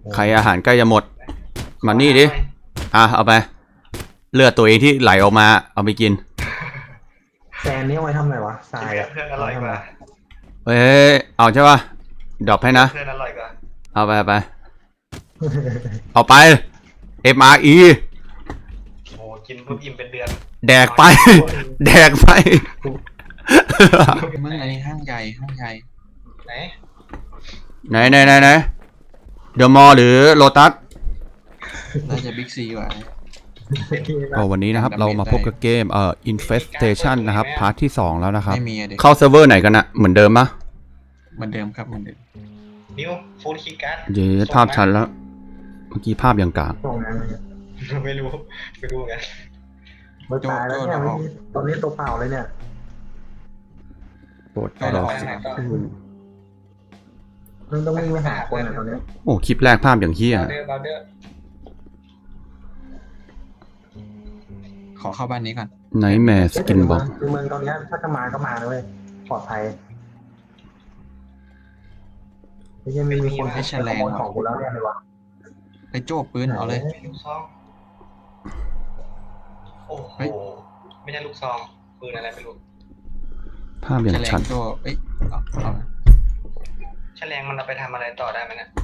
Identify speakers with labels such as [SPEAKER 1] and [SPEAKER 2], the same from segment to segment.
[SPEAKER 1] ใครอาหารใกล้จะหมดมานี่ดิเอาไปเลือดตัวเองที่ไหลออกมาเอาไปกิน
[SPEAKER 2] แซนนี่เอาไว้ทำอะไรวะทรายอะ
[SPEAKER 3] เพื่อนอร่อยกว่า
[SPEAKER 1] เฮ้ยเอาใช่ป่ะดรอปให้นะ
[SPEAKER 3] เพื่อนอร่อยกว่า
[SPEAKER 1] เอาไปเอาไป MRE
[SPEAKER 3] โอ้กินปุ๊บอิ่มเป็นเดือน
[SPEAKER 1] แดกไปแดกไป
[SPEAKER 4] เมื่อไงห้างใหญ่
[SPEAKER 3] ไหน
[SPEAKER 1] ไหนเดอะมอลล์หรือโลตัส
[SPEAKER 4] น่าจะบิ๊กซีกว่า
[SPEAKER 1] วันนี้นะครับเรามาพบกับเกมInfestation นะครับพาร์ทที่2แล้วนะครับ
[SPEAKER 4] ไม่มีอะเด็ก
[SPEAKER 1] เข้าเซิร์ฟเวอร์ไหนกันนะเหมือนเดิมปะ
[SPEAKER 4] เหมือนเดิมครับเหมือนเดิม
[SPEAKER 3] นิวฟูลคีย์การ์ด
[SPEAKER 1] เดี๋ยวภาพชัดแล้วเมื่อกี้ภาพยังกลาง
[SPEAKER 2] ส่งนั้น
[SPEAKER 3] ไม่รู้ไง
[SPEAKER 2] ไม่ตายแล้วเนี่ยตอนนี้ตัวเปล่าเลยเนี่ย
[SPEAKER 1] โปรด
[SPEAKER 4] ก็
[SPEAKER 1] รอ
[SPEAKER 2] มึงต้องวิ่งไปหาคนอ่ะตอนนี้
[SPEAKER 1] โอ้คลิปแรกภาพอย่างเฮี้ย
[SPEAKER 3] บาเดอร์
[SPEAKER 4] ขอเข้าบ้านนี้ก่อน
[SPEAKER 1] ไนท์แมร์สกินบ็อก
[SPEAKER 2] คือเมืองตอนนี้ถ้าจะมาก็มาเลยปลอดภัยไม่ใช่มีคนให้ขโมยของกูแล้วเนี่ยเลยวะ
[SPEAKER 4] ไปโจ้ปืนเอาเลย
[SPEAKER 3] ลูกซองโอ้โหไม่ใช่ลูกซองปืนอะไรไม่รู้
[SPEAKER 1] ภาพอย่างชัด
[SPEAKER 4] โจ้เอา
[SPEAKER 3] แฉลงมันเอาไปทำอะไรต่อได้ไหมเนี่ย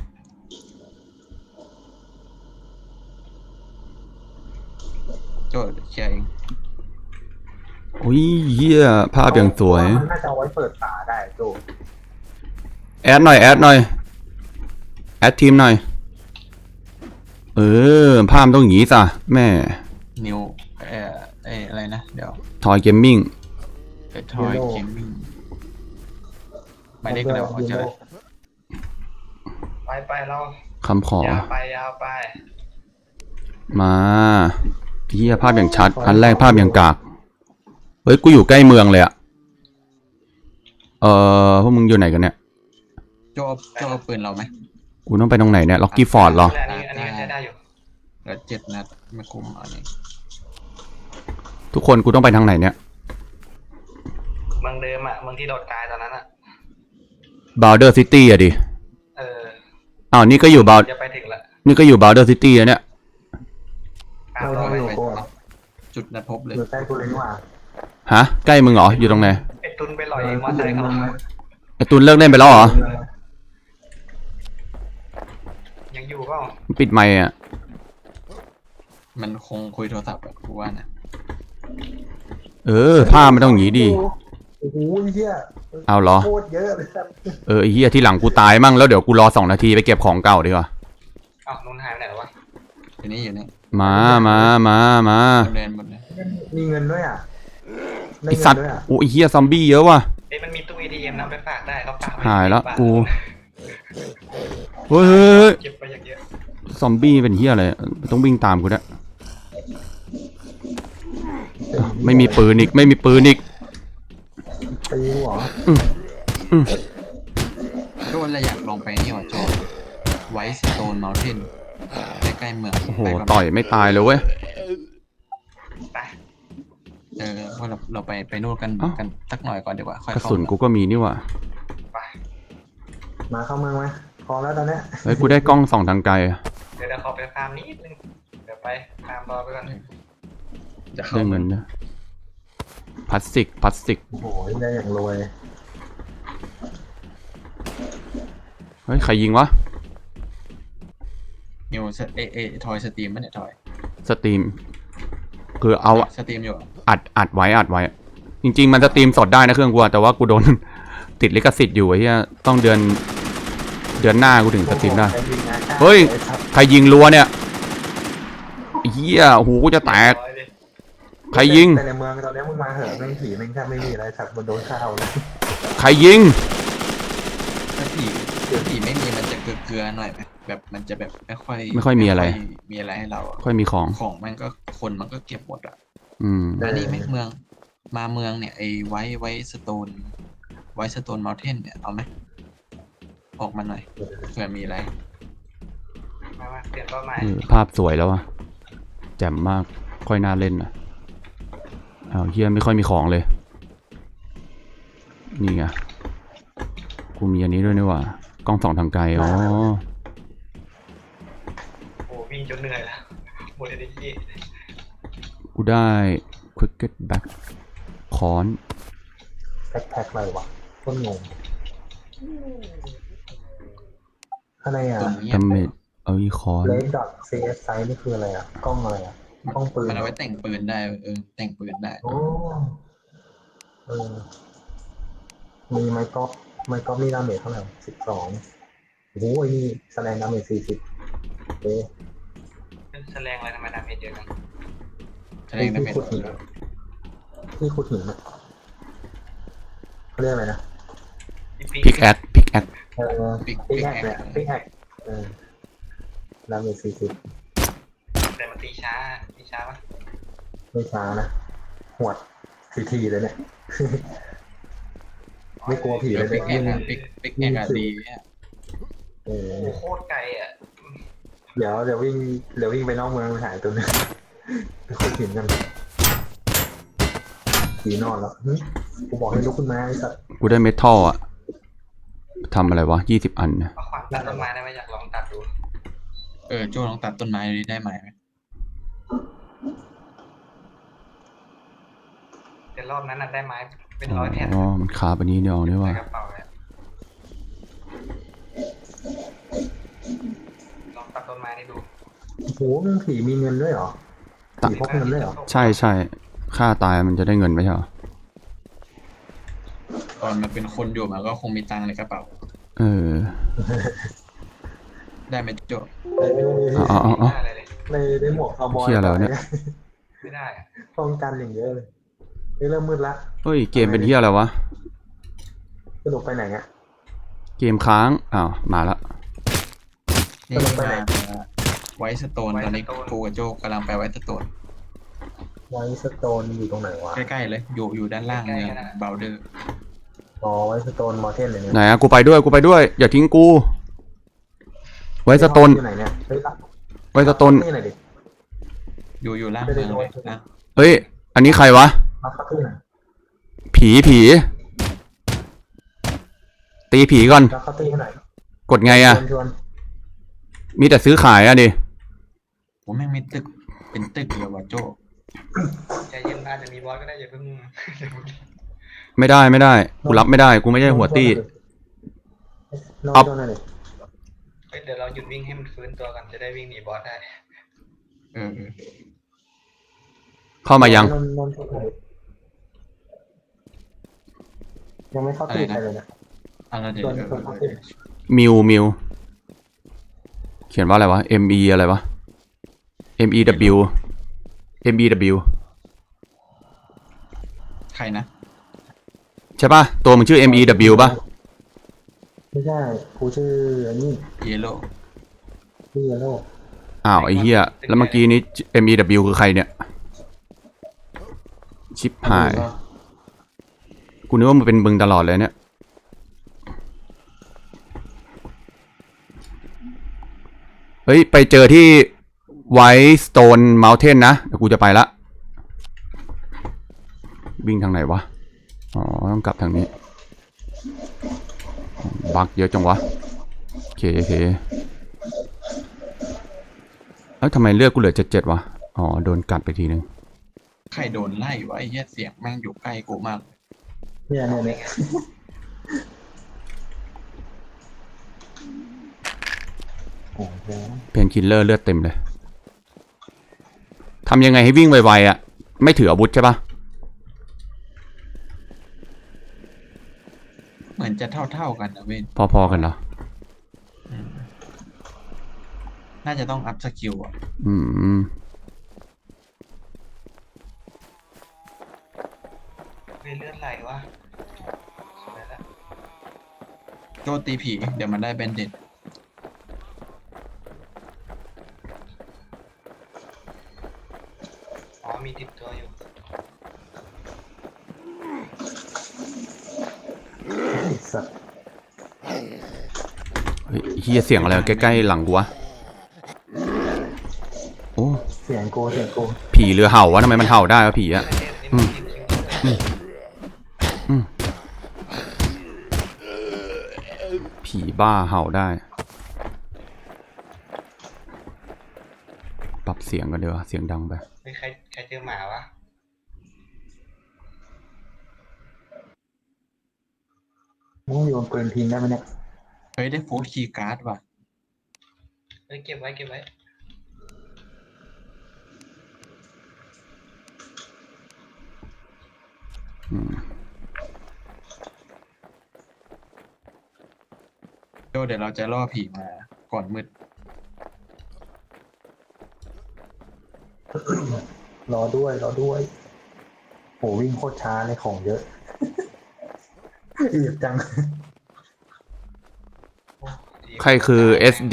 [SPEAKER 4] โจ้เคลียร์เอง
[SPEAKER 1] อุ้ยเฮี้ยภาพอย่างสวย
[SPEAKER 2] น่าจะเอาไว้เปิดฝาได้โจ
[SPEAKER 1] แอดหน่อยแอดทีมหน่อยภาพต้องอย่างงี้จ้ะแม่
[SPEAKER 4] นิวอะไรนะเดี๋ยว
[SPEAKER 1] ทอยเกมมิ่ง
[SPEAKER 4] ทอยเกมมิ่งหมายเลขอะไรวะเจอ
[SPEAKER 3] ไปเรา
[SPEAKER 1] คำขอย
[SPEAKER 3] าวไป
[SPEAKER 1] มาเฮียภาพอย่างชัดอันแรกภาพอย่างกากเฮ้ยกูอยู่ใกล้เมืองเลยอะพวกมึงอยู่ไหนกันเนี่ย
[SPEAKER 4] โจ้เอาปืนเราไหม
[SPEAKER 1] กูต้องไปตรงไหนเนี่ยล็อกกี้ฟอร์ดเหรอ
[SPEAKER 3] อันนี้ใช้ได้อยู่
[SPEAKER 4] แล้ว7 นัดไม่คุ้มอันนี้
[SPEAKER 1] ทุกคนกูต้องไปทางไหนเนี่ย
[SPEAKER 3] เมืองเดิมอ่ะเมืองที่โดดกายตอนนั้นอ่ะ
[SPEAKER 1] บาวเดอร์ซิตี้อะดินี่ก็อยู่บาว
[SPEAKER 3] จะไปถึงละ
[SPEAKER 1] นี่ก็อยู่บาวเดอร์ซิตี้อะเนี่ย
[SPEAKER 2] เราอยู่
[SPEAKER 4] จุดนัดพบเลย
[SPEAKER 2] อยู่ใกล้กูเลยนี่หว่า
[SPEAKER 1] ฮะใกล้มึงเหรออยู่ตรงไหน
[SPEAKER 3] ไอ้ตุนไปลอยมอเตอร์ไซค์เขา
[SPEAKER 1] ไอ้ตุนเลิกเล่นไปแล้วเหรอ
[SPEAKER 3] ยังอยู่เปล่า
[SPEAKER 1] ปิดไมค์อ่ะ
[SPEAKER 4] มันคงคุยโทรศัพท์แบบกูว่านะ
[SPEAKER 1] ภาพมันต้องอย่างนี้ดิ
[SPEAKER 2] โอ้โหเฮีย
[SPEAKER 1] เอาเหรอ
[SPEAKER 2] โคตรเยอะเลย
[SPEAKER 1] ไอ้เฮียที่หลังกูตายมั่งแล้วเดี๋ยวกูรอ2 นาทีไปเก็บของเก่าดีกว่า
[SPEAKER 3] นุ่นหายไปไหนวะ
[SPEAKER 4] อยู่นี่
[SPEAKER 1] มา
[SPEAKER 4] หมดเลย
[SPEAKER 2] มีเงินด้วยอ่ะ
[SPEAKER 1] ไอสัตว์โอ้ยเฮียซอมบี้เยอะว่ะ
[SPEAKER 3] มันมีตู้ ATM นำไปฝากได้เขาฝาก
[SPEAKER 1] หายแล้วกูเฮ้ย
[SPEAKER 3] เก็บไปอย่างเยอะ
[SPEAKER 1] ซอมบี้เป็นเฮียอะไรต้องวิ่งตามกูนะไม่มีปืนอีกตี
[SPEAKER 2] หัว
[SPEAKER 4] โจ้เราอยากลองไปนี่ว่ะโจ้ไวท์สโตนเมลเทนใกล้ๆเมือง
[SPEAKER 1] โอ้โหต่อยไม่ตายเลยเว้ย
[SPEAKER 4] ว่าเราไปนู่นกันสักหน่อยก่อนดีกว่าค่อย
[SPEAKER 1] กระสุนกูก็มีนี่ว่ะ
[SPEAKER 2] มาเข้าเมืองไหมพอแล้วตอนนี้
[SPEAKER 1] เฮ้ยกูได้กล้อง2 ทางไกล
[SPEAKER 3] เดี๋ยวขอไปฟาร์มนิดนึงเดี๋ยวไปฟาร์มรอไปก่อน
[SPEAKER 1] ได้เงินนะพลาสติก
[SPEAKER 2] โอ้โหได้อย่างรวย
[SPEAKER 1] เฮ้ยใครยิงวะ
[SPEAKER 4] นิวทอยสตรีมมั้ยเนี่ยทอย
[SPEAKER 1] สตรีมคือเอา
[SPEAKER 4] สตรีมอยู่
[SPEAKER 1] อัดไว้จริงๆมันสตรีมสดได้นะเครื่องกูแต่ว่ากูโดนติดลิขสิทธิ์อยู่ไอ้เหี้ยต้องเดือนหน้ากูถึงสตรีมได้เฮ้ยใครยิงรัวเนี่ยเหี้ยหูกูจะแตกใครยิง
[SPEAKER 2] แต่ในเมืองตอนนี้มึงมาเหอะแม่งผีแม่งแทบไม่มีอะไรสักบนโดนข้าวเลย
[SPEAKER 1] ใครยิง
[SPEAKER 4] ถ้าผีไม่มีมันจะเกลือหน่อยไหมแบบมันจะแบบไม่ค่
[SPEAKER 1] อยมีอะไร
[SPEAKER 4] ให้เรา
[SPEAKER 1] ค่อยมีของ
[SPEAKER 4] มันก็คนมันก็เก็บหมด
[SPEAKER 1] อั
[SPEAKER 4] นนี้ไม่เมืองเนี่ยไอ้ไว้สโตนเมลเทนเนี่ยเอาไหมออกมาหน่อยเผื่อมีอะไร
[SPEAKER 3] มาเปลี่ยนเป้าหมาย
[SPEAKER 1] ภาพสวยแล้วอะแจ่มมากค่อยน่าเล่นนะเฮียไม่ค่อยมีของเลยนี่ไงกูมีอันนี้ด้วยนี่ว่ากล้อง2 ทางไกล
[SPEAKER 3] วิ่งจนเหนื่อยแล้วหมดเอเนจี
[SPEAKER 1] กูได้ cricket back ค้อน
[SPEAKER 2] แพ็คอะไรวะต้นงงอะไรอ่ะ
[SPEAKER 4] ตรงนี้
[SPEAKER 1] ดาเมจเอาอีค้อน
[SPEAKER 2] เลดดอทซีเอสไซนี่คืออะไรอ่ะกล้องอะไรอ่ะกล้องปืน
[SPEAKER 4] มันเอาไว้แต่งปืนได้แต่งปืนได้
[SPEAKER 2] โอ้เออมีไมค์ก๊อฟนี่ดาเมจเท่าไหร่12โอ้โหไอ้นี่แสดงดาเมจ40เอ๊ะ
[SPEAKER 3] เป็นแสลงอะไรทำไมดาเมจเยอะจัง
[SPEAKER 4] แสดงดาเมจ
[SPEAKER 2] ขุดหินที่ขุดหินอะเขาเรียกอะไรนะ
[SPEAKER 1] พิกแอคพิกแอค
[SPEAKER 2] พิกแอคเนี่ยพิกแอคดาเมจ40
[SPEAKER 3] แต่มันตีช้าปะ
[SPEAKER 2] ไม่ช้านะหวดทีเลยเนี่ย ไม่กลัวผี
[SPEAKER 4] เดี๋
[SPEAKER 2] เลย
[SPEAKER 4] วย ปิกแอ
[SPEAKER 2] เนี่ย
[SPEAKER 4] กปิกแอกดีเนี่ย
[SPEAKER 2] เออ
[SPEAKER 3] โอ้โคตรไกลอ่ะ
[SPEAKER 2] เดี๋ยววิ่งไปนอกเมืองไปหายตัวนึงไปขุดหินกันผีนอนแล้วหึกูบอกให้ลุกขึ้นมาไอ้สัตว์
[SPEAKER 1] กูได้เมทัลอะทำอะไรวะ20 อันนะ
[SPEAKER 3] เอาขวานตัดต้นไม้ได้ไหมอยากลองตัดดู
[SPEAKER 4] โจ้ลองตัดต้นไม้ดูได้ไหม
[SPEAKER 3] แต่รอบนั้นน่ะได้ไม้เป็นร้อยแผ่น
[SPEAKER 1] อ๋อมันคาไปนี้เนี่ยเอาเนี่ย
[SPEAKER 3] ใน
[SPEAKER 1] ว่ะ
[SPEAKER 3] กระเป๋าเลยลองตัดต้นไม้นี่ดู
[SPEAKER 2] โอ้โหมึงผีมีเงินด้วยเหรอผีพกเงินด้วยเหรอ
[SPEAKER 1] ใช่ใช่ฆ่าตายมันจะได้เงินไม่ใช่เหรอ
[SPEAKER 4] ตอนมันเป็นคนอยู่มันก็คงมีตังค์ในกระเป๋า
[SPEAKER 1] เออ
[SPEAKER 4] ได้ไหมโจ้
[SPEAKER 1] เอา
[SPEAKER 3] ไม่ได้อะไรเลย
[SPEAKER 2] ในหมวกคาวบอย
[SPEAKER 1] เหี้ยอะไรวะเนี่ย
[SPEAKER 3] ไม่ได้อะ
[SPEAKER 2] ป้องกันอย่างเยอะเลยเริ่มมืดละ
[SPEAKER 1] เฮ้ยเกมเป็นเฮียอะไรวะ
[SPEAKER 2] สนุกไปไหนอ่ะ
[SPEAKER 1] เกมค้างอ้าวมาละ
[SPEAKER 4] นี่มาไวท์สโตนตอนนี้กูกับโจ้กำลังไปไวท์สโตน
[SPEAKER 2] ไวท์สโตนอยู่ตรงไหนวะ
[SPEAKER 4] ใกล้ๆเลยอยู่ด้านล่างเมืองเบลเดอร์
[SPEAKER 2] อ๋อไวท์สโตนมอเทนเลยเนี่ย
[SPEAKER 1] ไหนอะกูไปด้วยอย่าทิ้งกู ไว้สโตน
[SPEAKER 2] อยู่ไหนเนี่ยเฮ้ย
[SPEAKER 1] ไว้สโตน
[SPEAKER 2] นี่ไหนอยดิ
[SPEAKER 4] อยู่ล่างเมืองเลยนะ
[SPEAKER 1] เฮ้ยอันนี้ใครวะ
[SPEAKER 2] มาคับที่ไหนอย
[SPEAKER 1] ผีตีผีก่อน
[SPEAKER 2] มาคับที่ไหนอย
[SPEAKER 1] กดไงอะ
[SPEAKER 2] ชวน
[SPEAKER 1] มีแต่ซื้อขายอะดิ
[SPEAKER 4] ผมแม่งมีตึกเป็นตึกเลยว่ะโจ้
[SPEAKER 3] ใจเย็นอาจจะมีบอสก็ได้อย่าเพิ่ง
[SPEAKER 1] ไม่ได้กูรับไม่ได้กูไม่ใช่หัวตี้
[SPEAKER 2] นอน
[SPEAKER 1] อัพ
[SPEAKER 2] ชวนหน่อยดิ
[SPEAKER 3] เฮ้ยเดี๋ยวเราหยุดวิ่งให้มันฟื้นตัวกันจะได้วิ่งหนีบอสได้
[SPEAKER 4] เออ
[SPEAKER 1] เข้ามายัง
[SPEAKER 2] นอนชวนหน่อยดิยังไม่เข้าที่ใครเลยนะ
[SPEAKER 4] อะไรเดี๋ยว
[SPEAKER 2] ชวนเข้าที่
[SPEAKER 1] มิวเขียนว่าอะไรวะ ME อะไรวะ MEW
[SPEAKER 4] ใครนะ
[SPEAKER 1] ใช่ป่ะตัวมึงชื่อ MEW ป่ะ
[SPEAKER 2] ไม่ใช่กูชื่ออันนี้
[SPEAKER 4] เยลโล่
[SPEAKER 2] ชื่อเยลโล่
[SPEAKER 1] อ้าวไอ้เหี้ยแล้วเมื่อกี้นี้ MEW คือใครเนี่ยชิปหายกูนึกว่ามันเป็นมึงตลอดเลยเนี่ยเฮ้ยไปเจอที่ White Stone Mountain นะเดี๋ยวกูจะไปละวิ่งทางไหนวะอ๋อต้องกลับทางนี้บักเยอะจังวะโอเคเอ้ยทำไมเลือดกูเหลือ7วะอ๋อโดนกัดไปทีนึง
[SPEAKER 4] ใครโดนไล่วะไอ้เหี้ยเสียงแม่งอยู่ใกล้กูมาก
[SPEAKER 2] เนี่ยโอ้โห
[SPEAKER 1] เพนคิลเลอร์เลือดเต็มเลยทำยังไงให้วิ่งไวๆอ่ะไม่ถืออาวุธใช่ปะ
[SPEAKER 4] เหมือนจะเท่ากันนะเว้น
[SPEAKER 1] พอๆกันเหรอ
[SPEAKER 4] น่าจะต้องอัพสกิลอ่ะ
[SPEAKER 1] อืม
[SPEAKER 3] เฮ้ยเลือดไหลวะสวยแล้ว
[SPEAKER 4] โจตีผีเดี๋ยวมันได้แบนเด็ด
[SPEAKER 3] อ๋อมีติดตัวอยู่
[SPEAKER 2] ไอ้สัตว์
[SPEAKER 1] เฮ้ยเฮียเสียงอะไรใกล้ๆหลังกูวะโอ้
[SPEAKER 2] เสียงกู
[SPEAKER 1] ผีเรือเห่าวะทำไมมันเห่าได้วะผีอะ
[SPEAKER 3] นี่มันกิน
[SPEAKER 1] ผีบ้าเห่าได้ปรับเสียงกันเดี๋ยวาเสียงดังไป
[SPEAKER 3] เฮ้ยใครเจอหมาวะ
[SPEAKER 2] มึงอยู่บนปืนทิ้งได้ไหมเนี่ย
[SPEAKER 4] เฮ้ยได้โฟร์คีย์การ์ดว่ะ
[SPEAKER 3] เฮ้ยเก็บไว้
[SPEAKER 1] อืม
[SPEAKER 4] โจเดี๋ยวเราจะล่อผีมาก่อนมืด
[SPEAKER 2] รอด้วยโหวิ่งโคตรช้าเลยของเยอะ อีบจัง
[SPEAKER 3] โอ้ดี
[SPEAKER 1] ใครคือ SD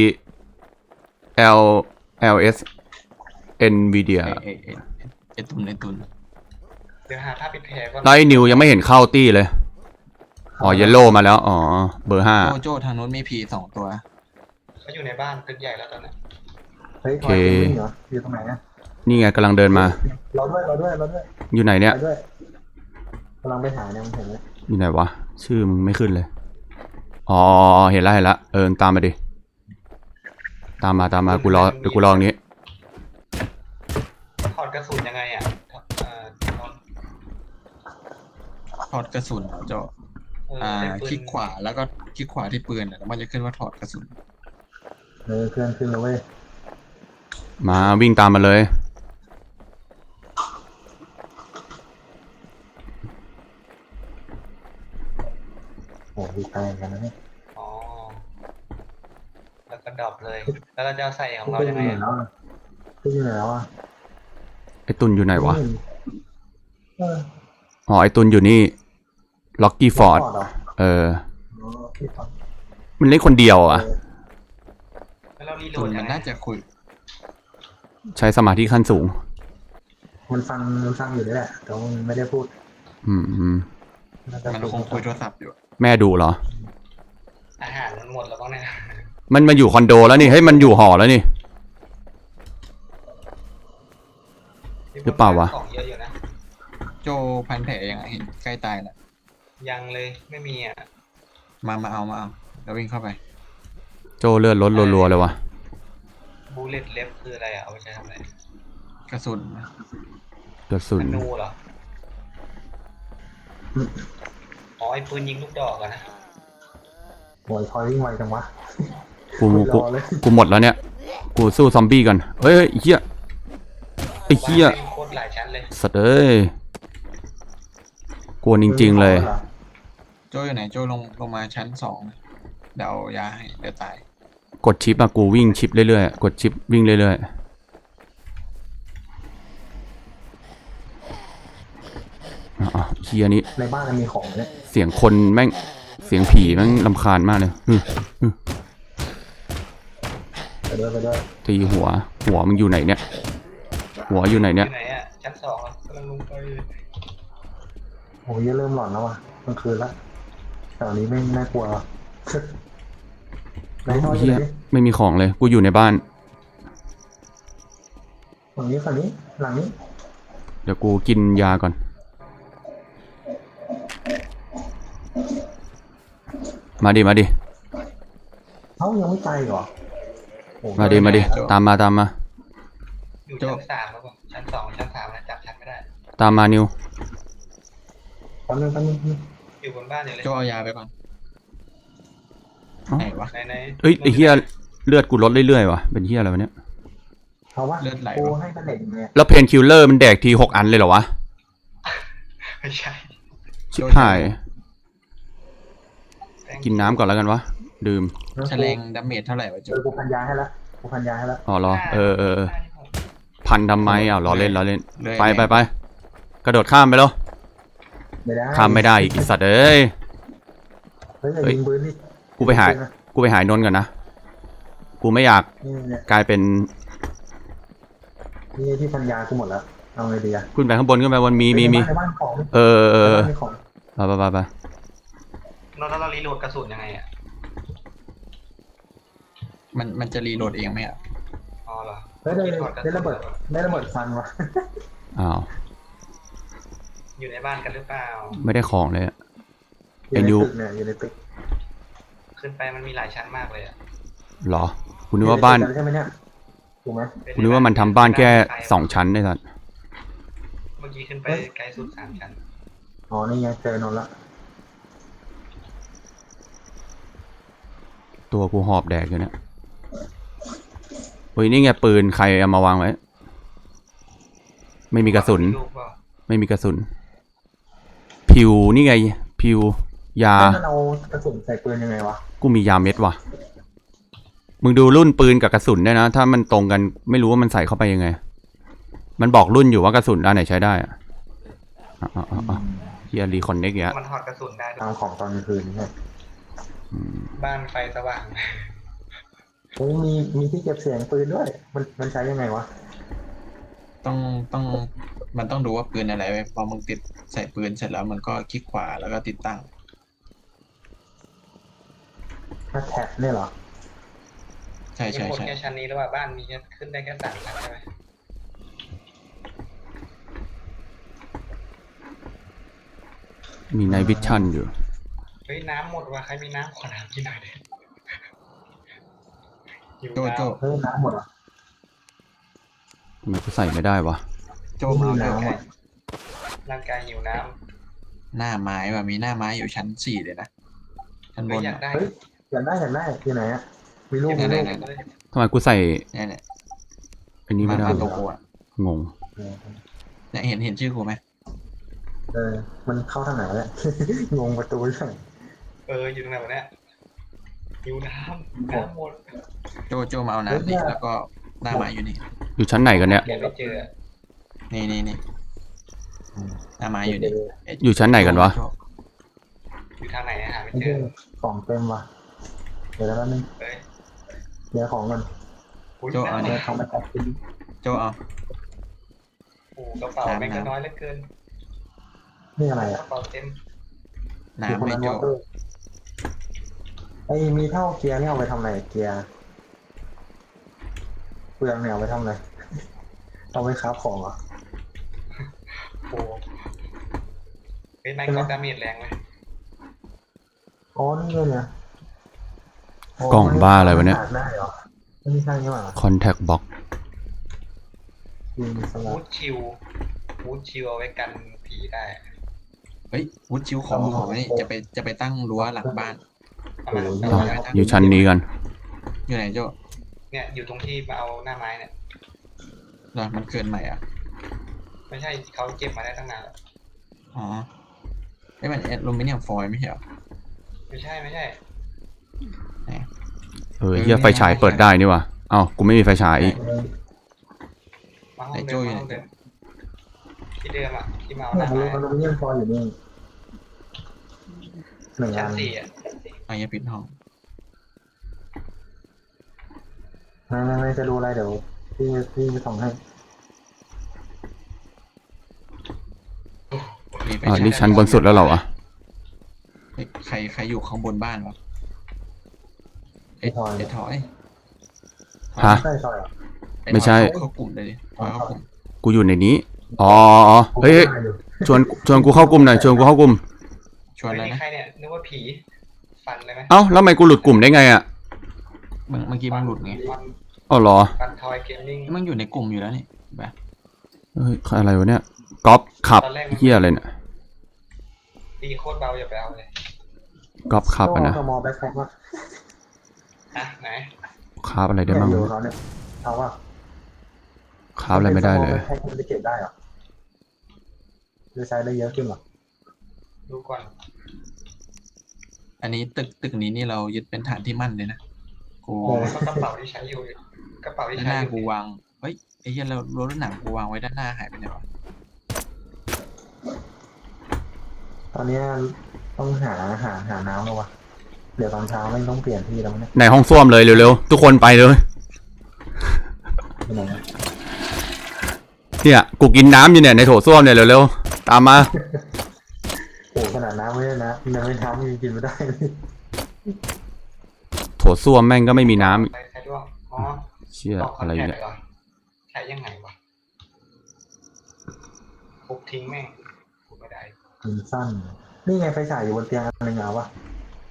[SPEAKER 1] LS NVIDIA
[SPEAKER 4] ไอตุน
[SPEAKER 3] เดี๋ยวหาผ้าปิดแผลก่อน
[SPEAKER 1] ไลท์นิวยังไม่เห็นเข้าตี้เลย อ๋อเยลโล่มาแล้ว อ๋อ เบอร์ห้า
[SPEAKER 4] โจทางนู้นมีผี2 ตัว
[SPEAKER 3] เขาอยู่ในบ้านตึกใหญ่แล้วตอนนี้
[SPEAKER 2] เฮ้ยทอยวิ่งเหรออยู่ตรงไหนอะ
[SPEAKER 1] นี่ไงกำลังเดินมา
[SPEAKER 2] รอด้วย
[SPEAKER 1] อยู่ไหนเนี่ย
[SPEAKER 2] ไปด้วยกำลังไปหาเนี่ยมันเห็นไหม
[SPEAKER 1] อยู่ไหนวะ ชื่อมึงไม่ขึ้นเลย อ๋อ เห็นแล้วตามมาดิ ตามมา กูรอเดี๋ยวกูรอตรงนี้
[SPEAKER 3] ถอดกระสุนยังไงอ่ะตอน
[SPEAKER 4] ถอดกระสุนโจ
[SPEAKER 3] ได้ปืน
[SPEAKER 4] คลิกขวาแล้วก็คลิกขวาที่ปืนแล้วมันจะขึ้นว่าถอดกระสุน
[SPEAKER 2] เคลื่อนขึ้นแล้วเว้ย
[SPEAKER 1] มาวิ่งตามมาเลย
[SPEAKER 2] โหดีใจกันนะเนี่ย
[SPEAKER 3] อ๋อแล้วก็ดรอปเลย แล้วเราจะเอาใส่ของเรายังไงอะ
[SPEAKER 2] ขึ้นอยู่ไหนแล้วอะ
[SPEAKER 1] ไอตุนอยู่ไหนวะ
[SPEAKER 2] เออ
[SPEAKER 1] อ๋อ ไอตุนอยู่นี่ ล็อกกี้ฟอร์ด
[SPEAKER 2] เหรอ
[SPEAKER 1] เออ
[SPEAKER 2] อ๋อที่ฟอร์ด
[SPEAKER 1] มันเล่นคนเดียวอ่ะ
[SPEAKER 3] แล้วเรารีโหล
[SPEAKER 4] ตุ
[SPEAKER 3] ด
[SPEAKER 4] น
[SPEAKER 3] ยั
[SPEAKER 4] มัน
[SPEAKER 3] งไง
[SPEAKER 4] น่าจะคุย
[SPEAKER 1] ใช้สมาธิขั้นสูง
[SPEAKER 2] มันฟังอยู่นี่แหละแต่ว่ามันไม่ได้พูด
[SPEAKER 1] อืม
[SPEAKER 2] น่าจะ
[SPEAKER 4] มันคงคุยโทรศัพท์อยู่
[SPEAKER 1] แม่ดูเหรอ
[SPEAKER 3] อาหารมันหมดแล้วบ้างเนี่ย
[SPEAKER 1] มันมาอยู่คอนโดแล้วนี่ เฮ้ย มันอยู่หอแล้วนี่ หรือเปล่าวะ
[SPEAKER 3] ของเยอะอยู่นะ
[SPEAKER 4] โจพันแผลยังไงเห็นใกล้ตายแล้ว
[SPEAKER 3] ยังเลยไม่มีอ่ะ
[SPEAKER 4] มาเอาแล้ววิ่งเข้าไป
[SPEAKER 1] โจเลือดลดรัวๆเลยวะ
[SPEAKER 3] บูเลตเล็บคืออะไรอ่ะเอาไปใช้ทำอะไร
[SPEAKER 4] กระสุน
[SPEAKER 1] กระสุน
[SPEAKER 3] ธนูเหรออ๋อไอ้ปืนยิงลูกดอกอะนะ
[SPEAKER 2] โหยทอยวิ่งไวจังวะ
[SPEAKER 1] กู
[SPEAKER 2] รอเลย
[SPEAKER 1] กูหมดแล้วเนี่ย กูสู้ซอมบี้กันเฮ้ยไอ้เหี้ยไอ้เหี้ย
[SPEAKER 3] บ้านแม่งโคตรหลายชั้นเลย
[SPEAKER 1] สัตว์เอ้ยกวนจริงๆเลย
[SPEAKER 4] โจอยู่ไหนโจลงมาชั้น2เดี๋ยวเอายาให้เดี๋ยวตาย
[SPEAKER 1] กดชิปอะกูวิ่งชิปเรื่อยๆ กดชิปวิ่งเรื่อยๆอ๋อเฮียนี้
[SPEAKER 2] ในบ้านมันมีของเนี่ย
[SPEAKER 1] เสียงคนแม่ง เสียงผีแม่งรำคาญมากเลย
[SPEAKER 2] ไปด้วย
[SPEAKER 1] ตีหัวมึงอยู่ไหนเนี่ย หัวอยู่ไหนเนี่ย
[SPEAKER 3] อยู่ไหนอ่ะชั้น2อ่ะกำลังลงไป
[SPEAKER 2] โอ้ยเริ่มหลอนแล้วว่ะกลางคืนละแถวนี้ไม่น่ากลัวไหนทอยอ
[SPEAKER 1] เฮี
[SPEAKER 2] ยู่
[SPEAKER 1] ย
[SPEAKER 2] ไหน
[SPEAKER 1] ไม่มีของเลย กูอยู่ในบ้าน
[SPEAKER 2] ฝั่งนี้หลังนี้
[SPEAKER 1] เดี๋ยวกูกินยาก่อน มาดิ
[SPEAKER 2] เอ้ายังไม่ตายอีกเหรอโอ้
[SPEAKER 1] มาดิ ตามมา
[SPEAKER 3] อยู่ชั้น3แล้วป่ะชั้น2ชั้น3นะจับชั้นไม่ได้
[SPEAKER 1] ตามมานิว
[SPEAKER 2] แป๊บนึง
[SPEAKER 3] อยู่บนบ้านอยู่เลย
[SPEAKER 4] โจเอายาไปก่อน
[SPEAKER 1] เอ้า
[SPEAKER 4] ไหนวะ
[SPEAKER 3] ไหน
[SPEAKER 1] เอ้ยไอ้เฮียเลือดกูลดเรื่อยๆว่ะ เป็นเฮียอะไรวะเนี่ย
[SPEAKER 2] เอาวะ
[SPEAKER 4] เลือดไหล
[SPEAKER 2] กู
[SPEAKER 4] วะ
[SPEAKER 2] ให้กันเด็กเนี่ย
[SPEAKER 1] แล้วเพนคิลเลอร์มันแดกที6 อันเลยเหรอวะ
[SPEAKER 3] ไม่ใช่
[SPEAKER 1] ชิบหาย กินน้ำก่อนแล้วกันวะ ดื่ม
[SPEAKER 4] แฉลงดาเมจเท่าไหร่วะโจ
[SPEAKER 2] กูพันยาให้ละ
[SPEAKER 1] อ๋อเหรอ เออ พันทำไมอ้าวล้อเล่น
[SPEAKER 4] เลย
[SPEAKER 1] ไป กระโดดข้ามไปแล้ว
[SPEAKER 2] ไม่ได้
[SPEAKER 1] ข้ามไม่ได้อีกไอ้สัตว์เอ้ย
[SPEAKER 2] เฮ้ยอย่ายิงปืนดิ
[SPEAKER 1] กูไปหายนนท์ก่อนนะ กูไม่อยาก
[SPEAKER 2] นี่
[SPEAKER 1] กลายเป็น
[SPEAKER 2] นี่ที่พันยากูหมดแล้วเอาไงดีอะ
[SPEAKER 1] ขึ้นไปข้างบนมี
[SPEAKER 2] ในบ้านของ
[SPEAKER 1] เออ
[SPEAKER 2] ในบ้านมีของ
[SPEAKER 1] ไป
[SPEAKER 3] แล้วเรารีโหลดกระสุนยังไงอ่ะ
[SPEAKER 4] มันจะรีโหลดเองไหมอ่ะ
[SPEAKER 3] อ๋อเหรอ
[SPEAKER 2] เฮ้ยได้ระเบิดฟันวะ
[SPEAKER 1] อ้าว
[SPEAKER 3] อยู่ในบ้านกันหรือเปล่า
[SPEAKER 1] ไม่ได้ของเลยอะ
[SPEAKER 2] อยู่ในตึก
[SPEAKER 3] ขึ้นไปมันมีหลายชั้นมากเลยอ่ะ
[SPEAKER 1] เหรอ กูนึกว่าบ้าน
[SPEAKER 2] ใช่ไหมเนี่ยถูกไหม
[SPEAKER 1] กูนึกว่ามันทำบ้านแค่2 ชั้นได้สัตว์
[SPEAKER 3] เมื่อกี้ขึ้นไปไกลสุด3 ชั้น
[SPEAKER 2] อ๋อนี่ไงเจอนนท์ละ
[SPEAKER 1] ตัวกูหอบแดกอยู่เนี่ยเฮ้ยนี่ไงปืนใครเอามาวางไว้ ไม่มีกระสุน
[SPEAKER 3] ลูกเปล่า
[SPEAKER 1] ไม่มีกระสุน พิวนี่ไง พิวยา
[SPEAKER 2] มันเอากระสุนใส่ปืนยังไงวะ
[SPEAKER 1] กูมียาเม็ดว่ะ มึงดูรุ่นปืนกับกระสุนด้วยนะ ถ้ามันตรงกันไม่รู้ว่ามันใส่เข้าไปยังไง มันบอกรุ่นอยู่ว่ากระสุนอันไหนใช้ได้อะเฮียรีคอนเน็กเงี้ย
[SPEAKER 3] มันถอดกระสุนได้ด้วย
[SPEAKER 2] ตามของตอนกลางคืนใช่
[SPEAKER 3] บ้านไฟสว่าง
[SPEAKER 2] โอ้มีที่เก็บเสียงปืนด้วย มันใช้ยังไงวะ
[SPEAKER 4] ต้องมันต้องดูว่าปืนอะไรไว้พอมึงติดใส่ปืนเสร็จแล้วมันก็คลิกขวาแล้วก็ติดตั้ง
[SPEAKER 2] ถ้าแท็บเนี่ยเหรอ
[SPEAKER 4] ใช่
[SPEAKER 3] มี
[SPEAKER 4] ใช่
[SPEAKER 3] หมด
[SPEAKER 4] ใช่
[SPEAKER 3] แค่ชั้นนี้หรือว่าบ้านมีแค่ขึ้นได้แค่3 ชั้นใช่ไหม
[SPEAKER 1] มีไนวิชั่นอยู่
[SPEAKER 3] เฮ้ยน้ำหมดว่ะใครมีน้ำขอน้ำกินหน่อยดิหิว
[SPEAKER 4] โจ
[SPEAKER 3] น้
[SPEAKER 4] โจ
[SPEAKER 2] เฮ้ยน้ำหมดเหรอ
[SPEAKER 1] ทำไมกูใส่ไม่ได้วะ
[SPEAKER 4] โจมาเอา
[SPEAKER 2] น้ำ
[SPEAKER 4] ห
[SPEAKER 2] หม
[SPEAKER 4] น้า
[SPEAKER 2] ด
[SPEAKER 3] ร่างกายหิวน้
[SPEAKER 4] หน้าไม้ว่ะมีหน้าไม้อยู่ชั้น 4เลยนะชั้น
[SPEAKER 3] ำ
[SPEAKER 4] บ
[SPEAKER 3] เฮ้ย
[SPEAKER 4] น
[SPEAKER 3] อยากได้
[SPEAKER 2] เฮ้ยอยากได้อยู่ไหนอะมีรูปมี
[SPEAKER 3] เก็
[SPEAKER 2] รู
[SPEAKER 3] บ
[SPEAKER 2] ป
[SPEAKER 3] ได้เลย
[SPEAKER 1] ทำไมกูใส่
[SPEAKER 4] เนี่ยเนี่ย
[SPEAKER 1] อันนี้ไม่ได้
[SPEAKER 4] มาตัวกูอ่ะ
[SPEAKER 1] งง
[SPEAKER 4] เนี่ยเห็นชื่อกูไหม
[SPEAKER 2] มันเข้าทางไหนเนี่ย งงประตูใช่
[SPEAKER 3] อยู่ตรงไหนวะเนี่ยหิวน้ำหมด
[SPEAKER 4] โจมาเอาน้ำดิแล้วก็หน้าไม้อยู่นี่
[SPEAKER 1] อยู่ชั้นไหนกันเนี่ย
[SPEAKER 3] เดี๋ยวไม่เจอ
[SPEAKER 4] นี่หน้าไม้อยู่นี่
[SPEAKER 1] อยู่ชั้นไหนกันวะ
[SPEAKER 4] โจ
[SPEAKER 3] อยู่ทางไหนอะหาไม่
[SPEAKER 2] ไม่
[SPEAKER 3] เจ
[SPEAKER 2] ใช่
[SPEAKER 3] อ
[SPEAKER 2] ของเต็มว่ะเดี๋ยวแล้วนึง
[SPEAKER 3] เฮ้ย
[SPEAKER 2] เดี๋ยวของมัน
[SPEAKER 3] อุ๊ย
[SPEAKER 4] โจเอา
[SPEAKER 2] เดี๋
[SPEAKER 4] นี่
[SPEAKER 2] ยวของมาจัดกิน
[SPEAKER 4] โจเอา
[SPEAKER 3] โอ้กระเป๋าแม่งก็น้อยเหลือเกิน
[SPEAKER 2] นี่อะไร
[SPEAKER 3] ก
[SPEAKER 2] อ่ะ
[SPEAKER 3] ระเป๋าเต็ม
[SPEAKER 4] น้ำไม่โจ
[SPEAKER 2] ไอ้มีเท่าเกียร์นี่เอาไปทำอะไรเกียร์เปลืองเนี่ยเอาไปทำอะไรเอาไปค้าของเหรอ
[SPEAKER 3] โอ้เฮ้ยแม่งก็ดาเมจแรงเลย
[SPEAKER 2] อ๋อนี่เนี่ย
[SPEAKER 1] กล่องบ้าอะไรวะเนี่ย
[SPEAKER 2] ได้เหรอไม่ใช่นี่หว่า
[SPEAKER 1] Contact Box
[SPEAKER 2] ยิงสลั
[SPEAKER 3] วู
[SPEAKER 2] บ
[SPEAKER 3] ดชิลเอาไว้กันผีได้
[SPEAKER 4] เฮ้ยวุฒิชิวของนี่จะไปตั้งรั้วหลังบ้าน
[SPEAKER 3] เอามา
[SPEAKER 1] อ้าวอยู่ชั้นนี้กัน
[SPEAKER 4] อยู่ไหนโจ
[SPEAKER 3] เนี่ยอยู่ตรงที่มาเอาหน้าไม้เนี่ย
[SPEAKER 4] เหรอมันเกินใหม่อ่ะ
[SPEAKER 3] ไม่ใช่เขาเก็บมาได้ตั้งนานแล้ว
[SPEAKER 4] อ๋อไอ้มันแอลูมิเนียมฟอยล์ไม่ใช่เหรอ
[SPEAKER 3] ไม่ใช่
[SPEAKER 1] เฮียไฟฉายเปิดได้นี่วะเอ้ากูไม่มีไฟฉายอีก
[SPEAKER 3] มาห้องเดิมที่เดิมอ่ะที่มาเอาห
[SPEAKER 2] เนี่ย
[SPEAKER 3] น้า
[SPEAKER 2] รู้
[SPEAKER 3] ไม้
[SPEAKER 2] อลูมิเนียมฟอยล์อยู่นี่หนึ่ง
[SPEAKER 3] ชั้
[SPEAKER 2] อั
[SPEAKER 3] น
[SPEAKER 2] น
[SPEAKER 3] 4อ่ะ
[SPEAKER 4] ไอ้ยาปิดห้อง
[SPEAKER 2] ไม่จะดูอะไรเดี๋ยวพี่ไปส่องให้
[SPEAKER 4] มีไฟ
[SPEAKER 1] อ่า
[SPEAKER 4] ฉาย
[SPEAKER 1] นี่ชั้นบนสุดแล้วเหรอวะ
[SPEAKER 4] เฮ้ยใครอยู่ข้างบนบ้านวะไอ้ถอย
[SPEAKER 1] ฮะ
[SPEAKER 2] ใช่ซอยเหรอ
[SPEAKER 4] อ้
[SPEAKER 1] ไม่ใช่
[SPEAKER 4] เข้ากลุ่มเลยดิถอยเข้ากลุ่ม
[SPEAKER 1] กูอยู่ในนี้ อ๋อเฮ้ย ชวนกูเข้ากลุ่มหน่อย ชวนกูเข้ากลุ่ม
[SPEAKER 4] ชวน
[SPEAKER 3] เฮ้ย
[SPEAKER 4] เลย
[SPEAKER 3] นี่
[SPEAKER 4] นะ
[SPEAKER 3] ใครเนี่ยนึกว่าผีฟันเลยไหม
[SPEAKER 1] เอ้าแล้วทำไมกูหลุดกลุ่มได้ไงอ่ะ
[SPEAKER 4] เมื่อกี้มันหลุดไง
[SPEAKER 1] อ๋อเหรอ
[SPEAKER 3] ฟันทอยเกมมิ่ง
[SPEAKER 4] มันอยู่ในกลุ่มอยู่แล้วนี่แบบ
[SPEAKER 1] เฮ้ยอะไรวะเนี่ยก๊อปขับเฮียอะไรเนี่ย
[SPEAKER 3] ตีโคตรเบาอย่าไปเอาเลย
[SPEAKER 1] ก๊อปขับอ่ะนะ
[SPEAKER 2] สมอแบ็คแพ็คว่า
[SPEAKER 3] ไหน
[SPEAKER 1] ขับอะไรได้
[SPEAKER 2] เนี่ย
[SPEAKER 1] บ้าง
[SPEAKER 2] อยู่เขาเนี่ยเอาว่า
[SPEAKER 1] ขับอะไรไม่ได้เลย
[SPEAKER 2] ให้คุณจะเก็บได้เหรอจะใช้ได้เยอะขึ้นเหรอ
[SPEAKER 3] ดูก่อน
[SPEAKER 4] อันนี้ตึกนี้นี่เรายึดเป็นฐานที่มั่นเลยนะกู
[SPEAKER 3] ก็กระเป๋าที่ใช้อยู่กระเป๋าที่
[SPEAKER 4] ด้าน
[SPEAKER 3] ใช้
[SPEAKER 4] หน้า
[SPEAKER 3] อยู่
[SPEAKER 4] กูวางเฮ้ยไอ้เหี้ยเรารถหนังกูวางไว้ด้านหน้าหายไปไหนวะ
[SPEAKER 2] ตอนนี้ต้องหาน้ำแล้ววะเดี๋ยวตอนเช้าไม่ต้องเปลี่ยนที่แล้วเนี่ย
[SPEAKER 1] ในห้องส้วมเลยเร็วๆ ทุกคนไปเลย
[SPEAKER 2] ไปไหนนะ
[SPEAKER 1] เนี่ยกูกินน้ำอยู่เนี่ยในโถส้วมเนี่ยเร็วๆ ตามมา
[SPEAKER 2] โอ้ขนาดน้ำไม่ได้นะน้ำไม่น้ำยังกินไม่ได้เลย
[SPEAKER 1] โถส้วมแม่งก็ไม่มีน้ำ
[SPEAKER 3] ใช้ด้วยอ๋อ
[SPEAKER 1] เชี่ย
[SPEAKER 3] ตอกคอ
[SPEAKER 1] อะ
[SPEAKER 3] น
[SPEAKER 1] ไร
[SPEAKER 3] แทค
[SPEAKER 1] เนี่ย
[SPEAKER 3] เหรอใช้ยังไงวะปุ๊บทิ้งแม่งพูดไม่ได้
[SPEAKER 2] กินสั้น นี่ไงไฟฉายอยู่บนเตียงอันหนึ่งเอาวะ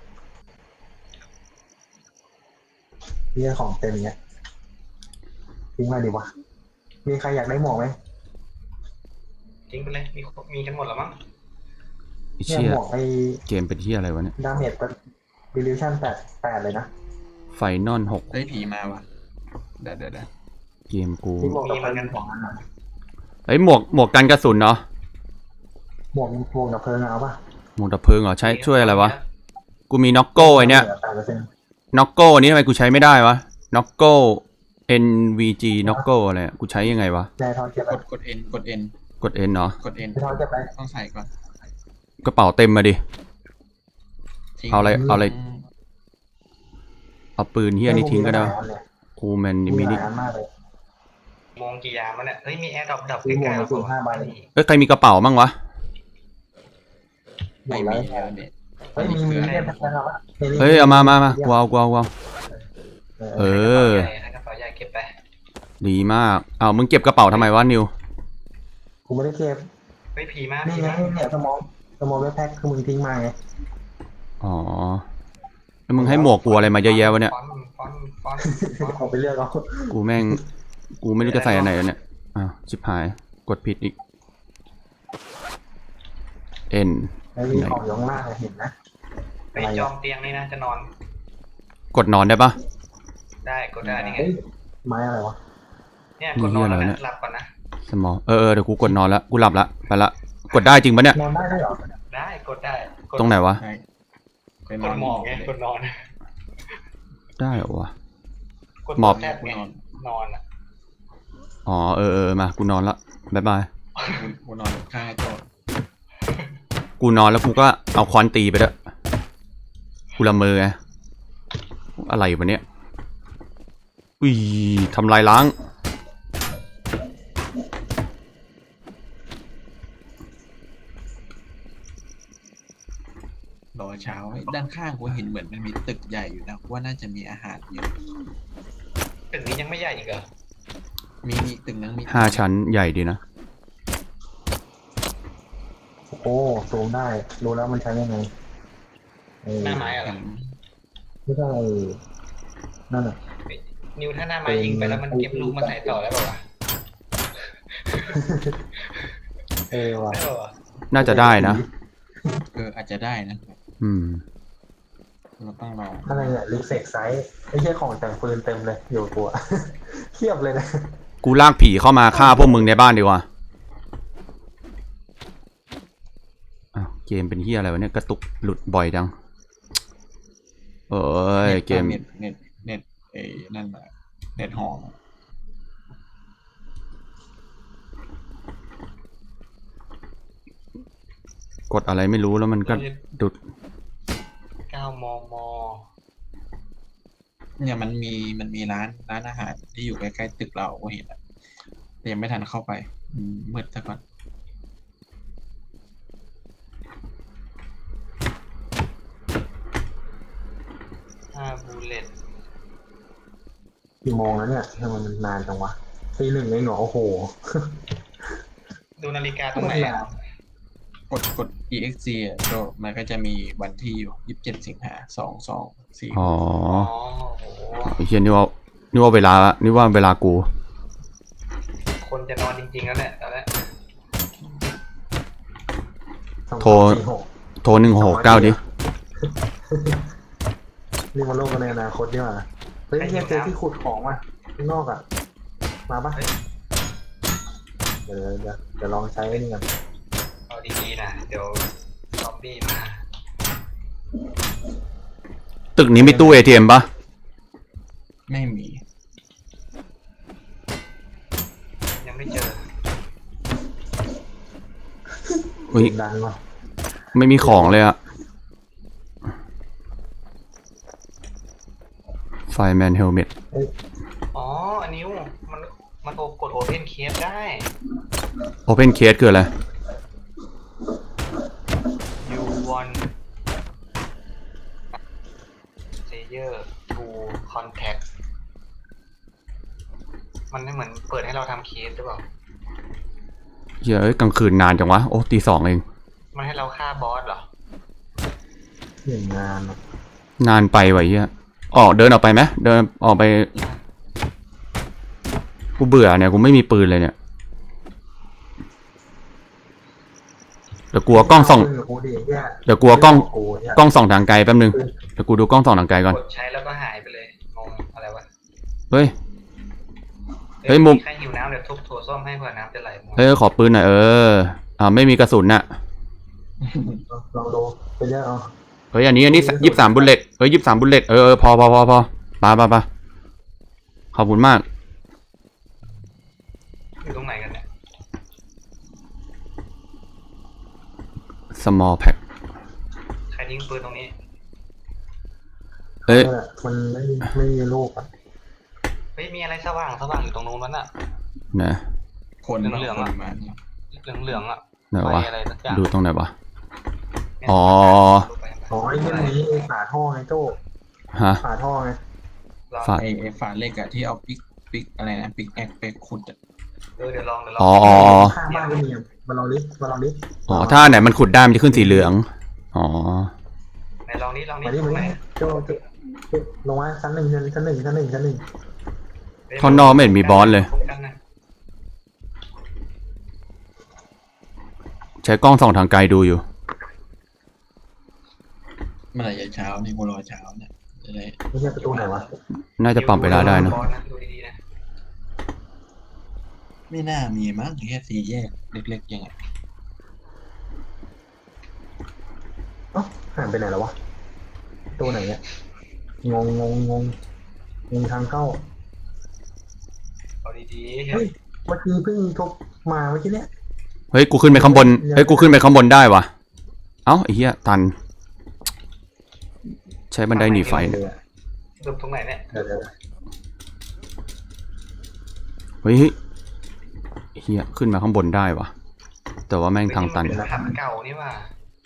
[SPEAKER 2] นี่ของเต็มเนี้ยทิ้งมาดิวะมีใครอยากได้หมวกไหม
[SPEAKER 3] ทิ้งไปเลยมีกันหมดแล้วมั้ง
[SPEAKER 1] ไอ้
[SPEAKER 2] เนี่ย
[SPEAKER 1] เชี่ย
[SPEAKER 2] หมวกไอ้
[SPEAKER 1] เกมเป็นที่อะไรวะเนี่ย
[SPEAKER 2] ดาเมจดิลิชั่น8เลยนะ
[SPEAKER 1] ไฟนอล6
[SPEAKER 4] เฮ้ยผีมาวะเดี๋ยว
[SPEAKER 1] เกมกู
[SPEAKER 2] ที่หมวกกับเพลิงของอันน่ะ
[SPEAKER 1] เฮ้ยหมวกกันกระสุนเนาะ
[SPEAKER 2] หมวกกับเพลิงเอาป่ะ
[SPEAKER 1] หมวกดับเพลิงเหรอใช้ช่วยอะไรวะกูมีน็อกโก้ไอเนี้ย
[SPEAKER 2] 8%
[SPEAKER 1] น็อกโก้อันนี้ทำไมกูใช้ไม่ได้วะน็อกโก้ NVG น็อกโก้อะไรอะกูใช้ยังไงวะ
[SPEAKER 2] นายทอนเก็บไป
[SPEAKER 4] กด N กด N
[SPEAKER 1] กด N เนาะ
[SPEAKER 4] กด N
[SPEAKER 2] นายทอนเก็บไป
[SPEAKER 4] ต้องใส่ก่อน
[SPEAKER 1] กระเป๋าเต็มมาดิ
[SPEAKER 4] ทิ้ง
[SPEAKER 1] เอาอะไรเอาปืนเฮียนี่ทิ้งก็ได้
[SPEAKER 2] เนี่ย
[SPEAKER 1] คูแมน
[SPEAKER 2] มี
[SPEAKER 1] มิ
[SPEAKER 2] ห
[SPEAKER 1] นิ
[SPEAKER 2] ลายอันมากเลย
[SPEAKER 3] มองกี่ยามมันเนี่ยเฮ้ยมีแอร์ดับ
[SPEAKER 2] มีหมวก
[SPEAKER 3] ใกล้ๆ
[SPEAKER 2] กระสุน5 ใบ
[SPEAKER 1] เอ้ยใครมีกระเป๋ามั่งวะ
[SPEAKER 2] หม
[SPEAKER 4] ไม่
[SPEAKER 2] ด
[SPEAKER 4] มี
[SPEAKER 2] แล้ว
[SPEAKER 4] แล้วเนี่ย
[SPEAKER 2] เฮ้ยมีเนี่ยนะครับ
[SPEAKER 1] เฮ้ยเอามากูเอาเออ
[SPEAKER 3] กระเป๋าใหญ่เก็บไป
[SPEAKER 1] ดีมากเอามึงเก็บกระเป๋าทำไมวะนิว
[SPEAKER 2] กูไม่ได้เก็บ
[SPEAKER 3] เฮ้ยผีมาก
[SPEAKER 2] นี่ไงเนี่ยสมองไว้แพ็คคือมึงทิ้งมาไง
[SPEAKER 1] อ๋อแล้วมึงให้หมวกกูอะไรมาเยอะแยะวะเนี่ย
[SPEAKER 3] ฟอนต์
[SPEAKER 2] เอาไปเลือกเอา
[SPEAKER 1] กูแม่งกูไม่รู้จะใส่อันไหนแล้วเนี่ยอ้าวชิบหายกดผิดอีก N
[SPEAKER 2] แล้วมีของอยู่ข้างล่างเห็นนะ
[SPEAKER 3] ไปจองเตียงนี่นะจะนอน
[SPEAKER 1] กดนอนได้ปะ
[SPEAKER 3] ได้กดได้นี่ไง
[SPEAKER 2] เฮ้ยไม้อะไรวะ
[SPEAKER 3] เนี่ยกดนอนแล้วนะหลับก่อนนะ
[SPEAKER 1] สมองเดี๋ยวกูกดนอนแล้วกูหลับละไปละกดได้จริงปะเนี่ย
[SPEAKER 2] นอนได้ด้วยเหรอ
[SPEAKER 3] ได้กดได้
[SPEAKER 1] ตรงไหนวะ
[SPEAKER 4] ใช่ไป
[SPEAKER 3] กดหมอกไงกดนอน
[SPEAKER 1] ได้เหรอวะ
[SPEAKER 3] กด
[SPEAKER 1] หมอบ
[SPEAKER 3] แทบไงนอนอ่ะ
[SPEAKER 1] อ๋อมากูนอนละบ๊ายบาย
[SPEAKER 4] กูนอนข้างไอ้โจ
[SPEAKER 1] กูนอนแล้วกูก็เอาค้อนตีไปด้วยกูละเมอไงอะไรวะเนี่ยอุ้ยทำลายล้าง
[SPEAKER 4] รอเช้าด้านข้างกูเห็นเหมือนมันมีตึกใหญ่อยู่นะว่าน่าจะมีอาหารอยู่
[SPEAKER 3] ตึกนี้ยังไม่ใหญ่อีกเหรอ
[SPEAKER 4] มีตึกนั้นมี
[SPEAKER 1] 5 ชั้นใหญ่ดีนะ
[SPEAKER 2] โอ้ซูมได้รู้แล้วมันใช้ยังไง
[SPEAKER 3] หน้าไม้อะไร
[SPEAKER 2] ไม่ใช่นั่นน่ะ
[SPEAKER 3] นิวถ้าหน้าไม้ยิงไปแล้วมันเก็บลูกมาใส่ต่อได้ป่าวะ
[SPEAKER 2] ว่ะ
[SPEAKER 3] ได้ป่าวะ
[SPEAKER 1] น่าจะได้นะ
[SPEAKER 4] อาจจะได้นะ
[SPEAKER 1] อืม
[SPEAKER 4] เราต้องรอ
[SPEAKER 2] อะไรเนี่ยลิเซกไซส์ไม่ใช่ของแต่งปืนเต็มเลยอยู่ตัว เทียบเลยนะ
[SPEAKER 1] กูลากผีเข้ามาฆ่าพวกมึงในบ้านดีกว่าอ้าวเกมเป็นเฮียอะไรวะเนี่ยกระตุกหลุดบ่อยจังเอ้ยเกม
[SPEAKER 4] เน็ตนั่นแหละเน็ตหอม
[SPEAKER 1] กดอะไรไม่รู้แล้วมันก็ดุด
[SPEAKER 3] 9 มม.
[SPEAKER 4] เนี่ยมันมีร้านอาหารที่อยู่ใกล้ๆตึกเราก็เห็นอะแต่ยังไม่ทันเข้าไปมืดซะก่อน
[SPEAKER 3] 5 บูเลต
[SPEAKER 2] กี่โมงแล้วเนี่ยทำไมมันนานจังวะตี 1เองเหรอโอ้โห
[SPEAKER 3] ดูนาฬิกาตรงไหนอะ
[SPEAKER 4] กด EXC อ่ะก็มันก็จะมีวันที่อยู่27 สิงหา22
[SPEAKER 1] อ๋อ
[SPEAKER 3] อ๋อโอ้โห
[SPEAKER 1] ไอ้เฮียนี่ว่าเวลากู
[SPEAKER 3] คนจะนอนจริงๆแล้วเนี่ยตอนนี้
[SPEAKER 1] โทร โทร169ดิ
[SPEAKER 2] นี่มันโลกกันในอนาคตดีกว่าเฮ้ยเนี่ยเจอที่ขุดของว่ะข้างนอกอ่ะมาปะเดี๋ยวลองใช้ไอ้นี่กัน
[SPEAKER 3] เอาดีๆนะเดี๋ยวซอมบี้มา
[SPEAKER 1] ตึกนี้มีตู้ ATM ปะ
[SPEAKER 4] ไม่มี
[SPEAKER 3] ยังไม่เจอ
[SPEAKER 1] อุ้ย
[SPEAKER 2] ดังว่ะ
[SPEAKER 1] ไม่มีของเลยอะไฟแมนเฮลเมต
[SPEAKER 3] อ๋ออันนิ้วมันกดโอเพนเคสได้
[SPEAKER 1] โอเพนเคสคืออะไร
[SPEAKER 3] you want player to contact มันไม่เหมือนเปิดให้เราทำเคสหรือเปล่า
[SPEAKER 1] เฮ้ยกลางคืนนานจังวะ โอ้ตี 2เอง
[SPEAKER 3] มันให้เราฆ่าบอสเหรอ
[SPEAKER 2] หนึ่งงานอะ
[SPEAKER 1] นานไปว่ะเฮียเดินออกไปไหมเดินออกไปกูเบื่อเนี่ยกูไม่มีปืนเลยเนี่ยเดี๋ยวกลัวกล้องส่อง
[SPEAKER 2] กูดิเนี่ย
[SPEAKER 1] เดี๋ยวกลัวกล้อง
[SPEAKER 2] กูเนี่ย
[SPEAKER 1] กล้องส่องทางไกลแป๊บนึงเดี๋ยวกูดูกล้องส่องทางไกลก่อน
[SPEAKER 3] กดใช้แล้วก็หายไปเลยงงอะไรวะ
[SPEAKER 1] เฮ้ย เฮ้ยมุม
[SPEAKER 3] ใครหิวน้ำเดี๋ยวทุบโถส้วมให้เพื่อน้ำจะไหลหมด
[SPEAKER 1] เฮ้ยขอปืนหน่อยไม่มีกระสุนน่ะ
[SPEAKER 2] ลองดูไปเยอะเอา
[SPEAKER 1] เฮ้ยอันนี้23 บุลเลตเฮ้ย23 บุลเลตพอปาขอบคุณมาก
[SPEAKER 3] อยู่ตรงไหนกันเนี่ย
[SPEAKER 1] small pack
[SPEAKER 3] ใครทิ้งปืนตรงนี้
[SPEAKER 1] เอ้ย
[SPEAKER 2] นั่นแหละมันไม่มีลูกอ่ะ
[SPEAKER 3] เฮ้ยมีอะไรสว่างอยู่ตรงนู้นนั่นน่ะ
[SPEAKER 1] ไหน
[SPEAKER 4] คน
[SPEAKER 3] เหลืองๆ
[SPEAKER 4] คน
[SPEAKER 3] อะ
[SPEAKER 4] มาเนี่ย
[SPEAKER 3] เหลืองๆอ่ะ
[SPEAKER 1] ไหนวะ
[SPEAKER 3] ไฟอะไรสักอย่าง
[SPEAKER 1] ดูตรงไหนวะ
[SPEAKER 3] เนี่ย
[SPEAKER 1] อ๋อ
[SPEAKER 2] อ๋อไอ้เรื่องนี้ไอ้ฝาท่อไงโจ้
[SPEAKER 1] ฮะ
[SPEAKER 2] ฝาท่อไง
[SPEAKER 3] ลอง
[SPEAKER 1] ฝา
[SPEAKER 4] ไอ้ฝาเหล็กอะที่เอาปิกอะไรนะปิกแอกไปขุดอะ
[SPEAKER 3] เดี๋ยวลอง
[SPEAKER 1] อ๋อ
[SPEAKER 2] ข้างบ้านก็มีมาลองดิ
[SPEAKER 1] อ๋อถ้าอันไหนมันขุดได้มันจะขึ้นสีเหลืองอ๋อ
[SPEAKER 3] ไหนลองนี้
[SPEAKER 2] มาดิ
[SPEAKER 3] ตร
[SPEAKER 2] มาง
[SPEAKER 3] ไหน
[SPEAKER 2] ดิโจ้ลงมาชั้นหนึ่ง
[SPEAKER 1] ท่อนนอกไม่เห็นมีบอสเลย
[SPEAKER 3] พบกันนะ
[SPEAKER 1] ใช้กล้องส่องทางไกลดูอยู่
[SPEAKER 4] เมื่อไหร่จะเช้าเนี่ยกูรอเช้าเนี่ยจะได้
[SPEAKER 2] ไม่ใช่ประตูไหนวะ
[SPEAKER 1] น่าจะปรับเวลาได้นะ
[SPEAKER 3] บอสดูดีๆนะ
[SPEAKER 4] ไม่น่ามีมั้งแค่สี่แยกเล็กๆยังไง
[SPEAKER 2] เอ้าหายไปไหนแล้ววะประตูไหนเนี่ยงงทางเข้า
[SPEAKER 3] เอาดีๆ
[SPEAKER 2] เฮ้ยเมื่อกี้เพิ่งทุบมาเมื่อกี้เนี่ย
[SPEAKER 1] เฮ้ยกูขึ้นไปข้างบนกูขึ้นไปข้างบนได้วะเอ้าไอ้เหี้ยตัน ใช้บันไดหนีไฟเนี่ย
[SPEAKER 3] หลบตรงไหนเนี่ย
[SPEAKER 2] เดี๋ยว
[SPEAKER 1] เฮ้ยเหี้ยขึ้นมาข้างบนได้วะแต่ว่าแม่งทางตัน
[SPEAKER 3] มันเป็นผับเก่านี่ว่า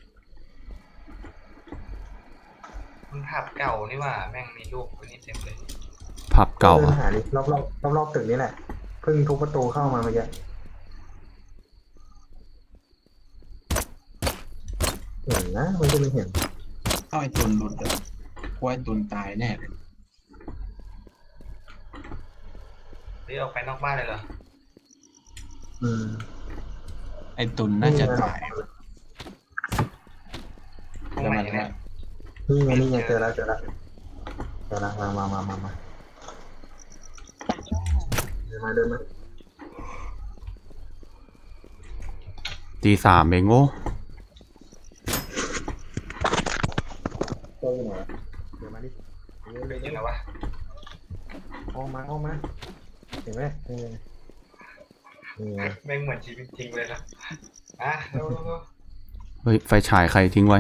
[SPEAKER 3] มันผับเก่านี่ว่าแม่งมีรูปคนนี้เต็มเลย
[SPEAKER 1] ผับเก่า
[SPEAKER 2] ดิน
[SPEAKER 1] อะ
[SPEAKER 2] หาดิรอบตึกนี้แหละเพิ่งทุบประตูเข้ามาเมื่อกี้เห็นนะมันจะไม่เห็น
[SPEAKER 4] เอาไอ้ตุนหลุดอะกูว่าไอ้ตุนตายแน่เลย
[SPEAKER 3] หรือออกไปนอกบ้านเลยเหรอ
[SPEAKER 2] อืม
[SPEAKER 4] ไอ้ตุนน่าจะตาย
[SPEAKER 3] ตรงไหนเนี่ย
[SPEAKER 2] นี่ไงเจอแล้วมาเดินมา
[SPEAKER 1] ตีสามเองโง่
[SPEAKER 2] โอ้ยหน่อยเดี๋ยวมาดิ
[SPEAKER 3] เป็นยังไงวะ
[SPEAKER 2] ออกมาเห็นไหมนี่ไง
[SPEAKER 3] แม่งเหมือนชีวิตจริงเลยนะอ่ะเร็ว
[SPEAKER 1] เฮ้ยไฟฉายใครทิ้งไว้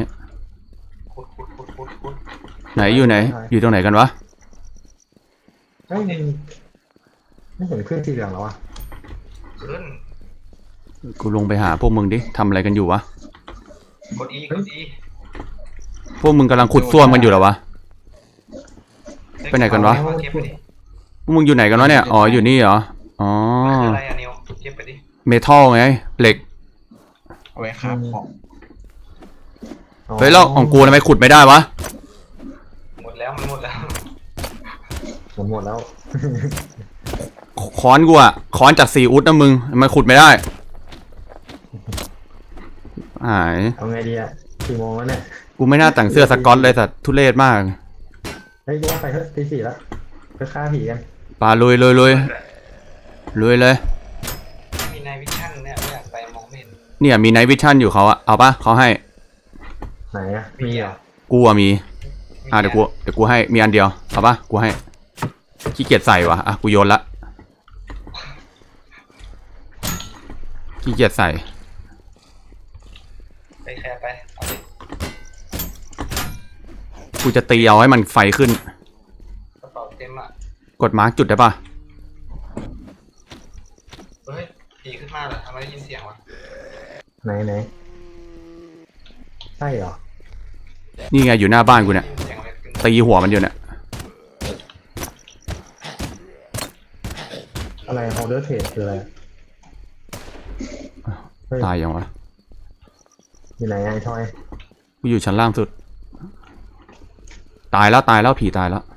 [SPEAKER 3] ขุด
[SPEAKER 1] ไหนอยู่ไหน อยู่ตรงไหนกันวะ
[SPEAKER 2] เฮ้ยไม่เห็นเครื่องสีเหลืองแล้วอ่ะ
[SPEAKER 3] ขึ้น
[SPEAKER 1] กูลงไปหาพวกมึงดิทำอะไรกันอยู่วะ
[SPEAKER 3] กด E
[SPEAKER 1] พวกมึงกำลังขุดซ่วมกันอยู่เหรอวะ ไปไหนกันวะ
[SPEAKER 3] เก็บไปดิ
[SPEAKER 1] พวกมึงอยู่ไหนกันวะเนี่ยอ๋ออยู่นี่เหรออ๋อ
[SPEAKER 3] คืออะไรอะนิวเก็บไปดิ
[SPEAKER 1] เมทัลไงเหล็ก
[SPEAKER 4] เอาไว้คราบของ
[SPEAKER 1] เฮ้ยแล้วของกูทำไมขุดไม่ได้วะ
[SPEAKER 3] หมดแล้วมันหมดแล้ว
[SPEAKER 2] หมดแล้ว
[SPEAKER 1] ค้อนกูอะค้อนจากซีอุดนะมึงทำไมขุดไม่ได้หาย
[SPEAKER 2] เอาไงดีอ่ะกี่โมงแล้วเนี่ย
[SPEAKER 1] กูไม่น่าแต่งเสื้อสก๊อตเลยสัตว์ทุเรศมาก
[SPEAKER 2] เฮ้ยแยกไปเถอะตีสี่แล้วไปฆ่าผีกัน
[SPEAKER 1] ปาลุยเลย
[SPEAKER 3] ไม่มีนายวิชั่นเนี่ยไม่อยากไปมองไม่เห็น
[SPEAKER 1] เนี่ยมีไนท์วิชั่นอยู่เขาอะเอาปะเขาให้
[SPEAKER 2] ไหนอ่ะมีเหรอ
[SPEAKER 1] กูอะมีเดี๋ยวกูให้มีอันเดียวเอาปะกูให้ขี้เกียจใส่วะอ่ะกูโยนละขี้เกียจใส่
[SPEAKER 3] ไปแคร์ไปเอาดิ
[SPEAKER 1] กูจะตีเอาให้มันไฟขึ้น
[SPEAKER 3] กระเป๋าเต็มอ่ะ
[SPEAKER 1] กดมาร์กจุดได้ปะ
[SPEAKER 3] เฮ้ยผีขึ้นมาเหรอทำไมได้ยินเสียงวะ
[SPEAKER 2] ไหนใช่เหรอ
[SPEAKER 1] นี่ไงอยู่หน้าบ้านกูเนี่ย
[SPEAKER 3] ได้ยินเสียงอะไรขึ้น
[SPEAKER 1] ตีหัวมันอยู่เนี่ย
[SPEAKER 2] อะไร holder trade คืออะไรเฮ้ย
[SPEAKER 1] ตายยังวะ
[SPEAKER 2] อยู่ไหนไอ้ทอย
[SPEAKER 1] กูอยู่ชั้นล่างสุด ตายแล้วผีตายแล้ว